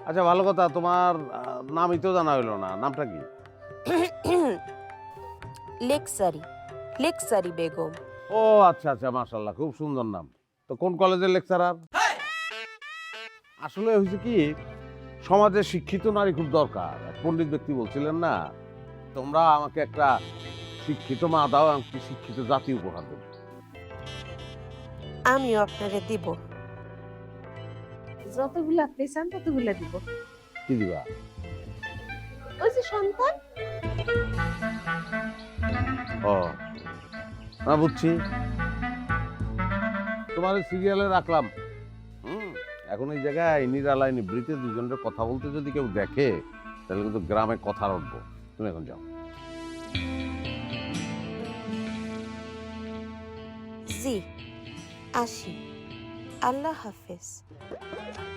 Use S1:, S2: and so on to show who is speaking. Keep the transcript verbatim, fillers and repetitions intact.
S1: আচ্ছা ভালো কথা, তোমার আহ, নামই তো জানা হইলো না, নামটা কি?
S2: লেকসারি লেকসারি বেগম।
S1: ও আচ্ছা আচ্ছা, মাশাল্লাহ, খুব সুন্দর নাম। তো কোন কলেজের লেকচারার? আসলে হয়েছে কি, সমাজে শিক্ষিত নারী খুব দরকার। এক পণ্ডিত ব্যক্তি বলছিলেন না, তোমরা আমাকে একটা শিক্ষিত মা দাও, আমাকে শিক্ষিত জাতি উপহার দেবে।
S2: আমিও আপনারে দিব।
S3: যতগুলো আপনি চান ততগুলো দিব।
S1: কি দিবা?
S3: ওই যে সন্তান।
S1: ও না, বুঝছি। তোমার সিরিয়ালে রাখলাম। হুম, এখন এই জায়গায় নিরালায় নিবৃতে দুজনের কথা বলতে যদি কেউ দেখে, তাহলে কিন্তু গ্রামে কথা উঠবো। তুমি এখন যাও।
S2: জি, আসি। আল্লাহ হাফেজ।